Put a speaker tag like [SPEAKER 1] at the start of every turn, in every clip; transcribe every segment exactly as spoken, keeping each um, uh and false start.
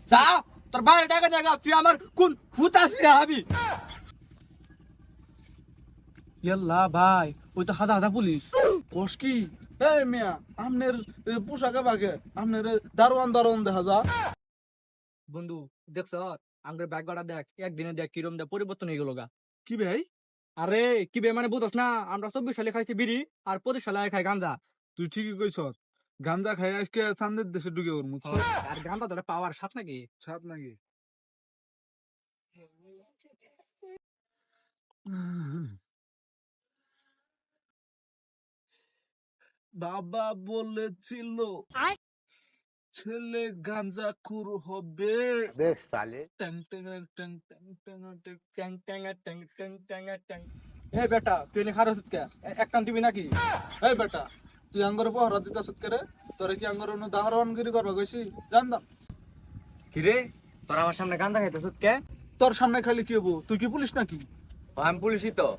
[SPEAKER 1] যা তোর বাইরে টাকা দেখা তুই আমার কোন হুতাশিরা হবি।
[SPEAKER 2] ইয়াল্লা ভাই ওই তো হাজার হাজার পুলিশ।
[SPEAKER 3] কোষ কি এই মিয়া আমনের পোশাকে বাগে আমনের দারোয়ান দারোয়ান দেখা যা।
[SPEAKER 2] বন্ধু দেখছ আঙ্গের ব্যাগ গড়া দেখ একদিনে দেখ কিরম দেখ পরিবর্তন হয়ে গেল গা।
[SPEAKER 3] কি ভাই
[SPEAKER 2] আরে কি বে মানে বুঝছ না আমরা চব্বিশ সালে খাইছি বিড়ি আর পঁচিশ সালে খাই গাঁজা।
[SPEAKER 3] তুই ঠিকই কইছ, গাঞ্জা খাই আজকে চান্দের দেশে ঢুকে ওর মুখ
[SPEAKER 2] আর গাঁজা ধরে পাওয়ার সাথ নাকি।
[SPEAKER 3] ছাপ নাকি। বাবা বলেছিল ছেলে গাঞ্জা খুর হবে।
[SPEAKER 4] বেশ সালে
[SPEAKER 3] ট্যাং ট্যাং ট্যাং ট্যাং ট্যাং ট্যাং
[SPEAKER 2] ট্যাং ট্যাং ট্যাং ট্যাং ট্যাং ট্যাং। এই বেটা তুই এনে খারো কে এক কান দিবি নাকি?
[SPEAKER 3] এই বেটা তুই আঙ্গর পহরা দিতা সৎকারে তোরে কি আঙ্গর অন্য দাহরওয়ানগিরি করবা কইছি জানতাম।
[SPEAKER 1] কিরে তোর আমার সামনে গাঁজা খাইতেছ কে?
[SPEAKER 3] তোর সামনে খালি কি হবো, তুই কি পুলিশ নাকি?
[SPEAKER 1] আমি পুলিশই তো।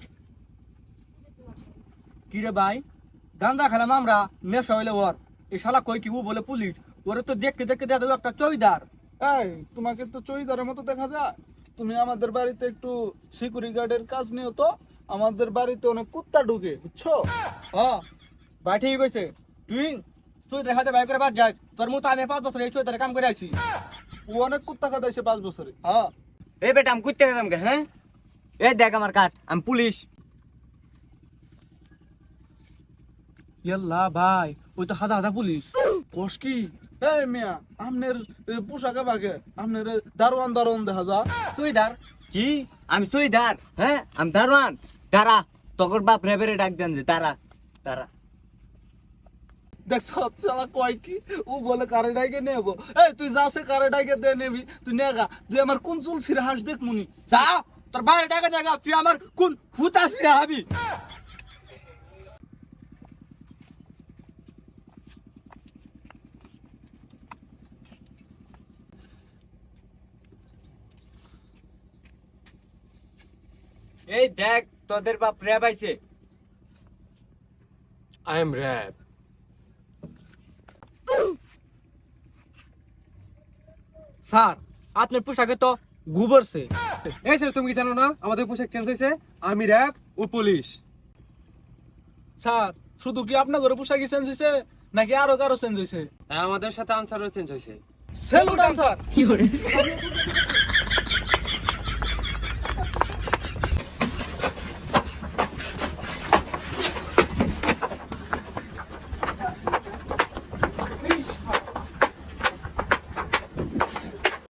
[SPEAKER 2] কি রে ভাই গাঁজা খেলাম আমরা নেশা হইলে ওর এই শালা কই কি ও বলে পুলিশ ওরে তো দেখতে দেখতে দেখা যাবে একটা চৌকিদার।
[SPEAKER 3] এই তোমাকে তো চৌকিদারের মতো দেখা যায়। তুমি আমাদের বাড়িতে একটু সিকিউরিটি গার্ডের কাজ নিও তো, আমাদের বাড়িতে অনেক কুত্তা ঢুকে বুঝছো।
[SPEAKER 2] হ্যাঁ ভাই ঠিক কইছে। তুই তুই দেখাতে ভাই করে বাদ যাই তোর মতো আমি পাঁচ বছর এই চৌকিদারে কাম করে আছি।
[SPEAKER 3] ও অনেক কুত্তা খাদাইছে পাঁচ বছরে।
[SPEAKER 2] হ্যাঁ
[SPEAKER 1] এই বেটা আমি কুত্তে খেতাম কে? হ্যাঁ এই দেখ আমার কাঠ, আমি পুলিশ।
[SPEAKER 2] ইয়াল্লা ভাই ওই তো হাজার হাজার পুলিশ।
[SPEAKER 3] কোষ কি এই মিয়া আমনের পোশাকে বাগে আমনের দারোয়ান দারোয়ান দেখা যা।
[SPEAKER 2] চৌকিদার
[SPEAKER 1] কি আমি চুইদার? হ্যাঁ আমি দারোয়ান। তারা তখন বাপ রেবেরে ডাক দেন যে তারা তারা
[SPEAKER 3] দেখ সব চালা কয় কি ও বলে কারে ডাইকে নেবো। এই তুই যাচ্ছে কারে ডাইকে দে নেবি তুই নেগা তুই আমার কোন চুল ছিঁড়ে হাস দেখ মুনি।
[SPEAKER 1] যা তোর বাইরে টাকা দেখা তুই আমার কোন হুতাশিরা হবি। এই দেখ তোদের বাপ রেব আইছে।
[SPEAKER 5] I am Rab.
[SPEAKER 2] স্যার আপনার পোশাকে তো গুবরছে।
[SPEAKER 5] এই স্যার তুমি কি জানো না আমাদের পোশাক চেঞ্জ হয়েছে? আর্মি র্যাব ও পুলিশ।
[SPEAKER 3] স্যার শুধু কি আপনার ঘরে পোশাকি চেঞ্জ হয়েছে নাকি আরো কারো চেঞ্জ হয়েছে?
[SPEAKER 5] আমাদের সাথে আনসারও চেঞ্জ হয়েছে।
[SPEAKER 3] Salute answer.